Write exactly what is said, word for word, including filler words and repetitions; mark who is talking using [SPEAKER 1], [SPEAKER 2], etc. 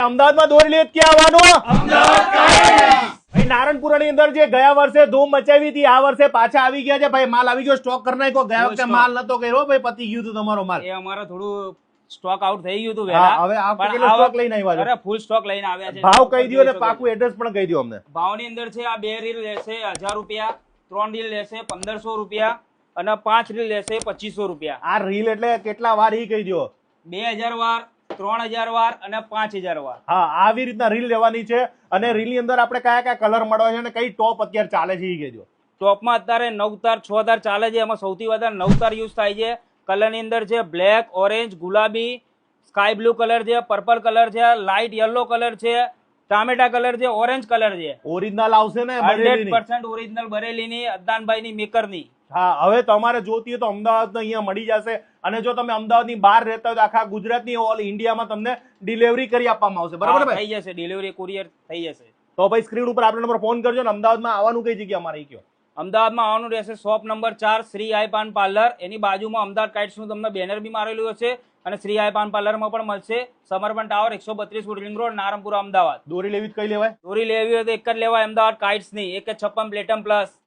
[SPEAKER 1] અમદાવાદમાં દોરી લેત ક્યાં આવવાનું? ભાઈ નારણપુરાની અંદર જે ગયા વર્ષે ધૂમ મચાવી હતી આ વર્ષે પાછા આવી ગયા છે ભાઈ. માલ આવી ગયો, સ્ટોક કરી નાખ્યો. ગયા વખતે માલ નતો કર્યો ભાઈ, પતી ગયું હતું તમારો માલ.
[SPEAKER 2] એ અમારો થોડું સ્ટોક આઉટ થઈ ગયું હતું
[SPEAKER 1] હા,
[SPEAKER 2] વેલા.
[SPEAKER 1] હવે આ
[SPEAKER 2] પણ
[SPEAKER 1] કેટલો
[SPEAKER 2] આ
[SPEAKER 1] સ્ટોક લઈને આવ્યા છો?
[SPEAKER 2] અરે ફૂલ સ્ટોક લઈને આવ્યા છે.
[SPEAKER 1] ભાવ કહી દો ને પાકું એડ્રેસ પણ કહી દો અમને.
[SPEAKER 2] ભાવની અંદર છે આ બે રીલ લેશે હજાર રૂપિયા, ત્રણ રીલ લેશે પંદરસો રૂપિયા અને પાંચ રીલ લેશે પચીસો રૂપિયા.
[SPEAKER 1] આ રીલ એટલે કેટલા વાર ઈ કહી દો.
[SPEAKER 2] બે હજાર વાર, ત્રણ હજાર વાર અને પાંચ હજાર વાર.
[SPEAKER 1] હા, આવી રીતના રીલ લેવાની છે. અને રીલ ની અંદર આપણે કયા કયા કલર મળવા છે અને કઈ ટોપ અત્યારે ચાલે છે ઈ કહેજો.
[SPEAKER 2] ટોપમાં અત્યારે નવ તાર છ તાર ચાલે છે. એમાં સૌથી વધારે નવ તાર યુઝ થાય છે. કલર ની અંદર છે બ્લેક, ઓરેન્જ, ગુલાબી, સ્કાય બ્લુ કલર છે, પર્પલ કલર છે, લાઇટ યલો કલર છે, ટામેટા કલર છે, ઓરેન્જ કલર છે.
[SPEAKER 1] ઓરિજિનલ આવશે ને
[SPEAKER 2] હંડ્રેડ
[SPEAKER 1] બરેલીની?
[SPEAKER 2] પર્સન્ટ ઓરિજિનલ બરેલીની, અદ્દાનભાઈ ની મેકર ની.
[SPEAKER 1] હા, હવે તમારે જોતી હોય તો અમદાવાદ અહીંયા મળી જશે. અને જો તમે અમદાવાદની બહાર રહેતા હોય તો આખા ગુજરાતની ઓલ ઇન્ડિયામાં તમને ડિલિવરી કરી આપવામાં આવશે. બરાબર
[SPEAKER 2] હા,
[SPEAKER 1] ભાઈ?
[SPEAKER 2] થઈ જશે ડિલિવરી, કુરિયર થઈ જશે.
[SPEAKER 1] તો ભાઈ સ્ક્રીન ઉપર આપણો નંબર ફોન કરજો. ને અમદાવાદમાં આવવાનું કઈ જગ્યા અમારે ઈ કયો?
[SPEAKER 2] અમદાવાદમાં આવવાનું રહેશે શોપ નંબર ચાર શ્રી આઈ પાન પાર્લર. એની બાજુમાં અમદાવાદ કાઇટ્સ નું તમને બેનર બી મારેલું હશે અને શ્રી આઈ પાન પાર્લરમાં પણ મળશે. સમર્પણ ટાવર એકસો બત્રીસ રિંગ રોડ, નારણપુરા, અમદાવાદ.
[SPEAKER 1] દોરી લેવી જ કઈ લેવાય?
[SPEAKER 2] દોરી લેવી હોય તો એક જ લેવાય અમદાવાદ કાઇટ્સ ની, એક જ છપ્પન પ્લેટમ પ્લસ.